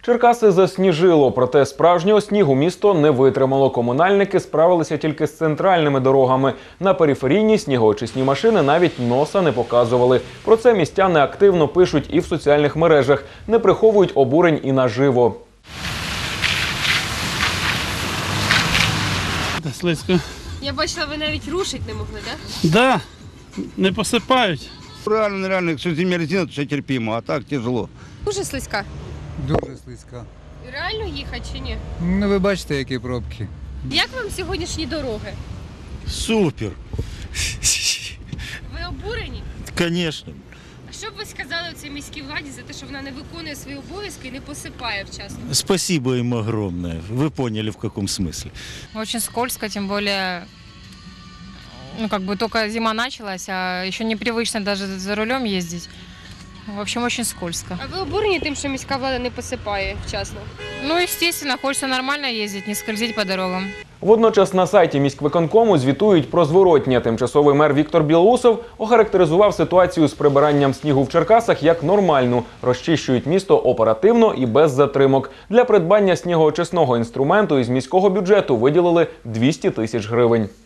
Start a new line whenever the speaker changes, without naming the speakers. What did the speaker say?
Черкаси засніжило, проте справжнього снігу місто не витримало. Комунальники справилися тільки з центральними дорогами. На периферійні снігоочисні машини навіть носа не показували. Про це містяни активно пишуть і в соціальних мережах. Не приховують обурень і наживо.
Слизько.
Я бачила, ви навіть рушити не могли, так?
Да, не посипають.
Реально, нереально, якщо зимня резина, то ще терпимо, а так тяжело.
Дуже слизька.
Дуже слизька.
Реально їхати чи ні?
Ну, ви бачите, які пробки.
Як вам сьогоднішні дороги?
Супер.
Ви обурені?
Конечно.
А що б ви сказали цій міській владі за те, що вона не виконує свої обов'язки і не посипає вчасно?
Спасибо им огромное. Вы поняли, в каком смысле.
Очень скользко, тем более, только зима началась, а еще непривычно даже за рулем ездить. В общем, очень скользко.
А ви обурені тим, що міська влада не посипає вчасно?
Ну, естественно, хочется нормально ездить, не скользить по дорогам.
Водночас на сайті міськвиконкому звітують про зворотнє. Тимчасовий мер Віктор Білоусов охарактеризував ситуацію з прибиранням снігу в Черкасах як нормальну. Розчищують місто оперативно і без затримок. Для придбання снігоочисного інструменту із міського бюджету виділили 200 тисяч гривень.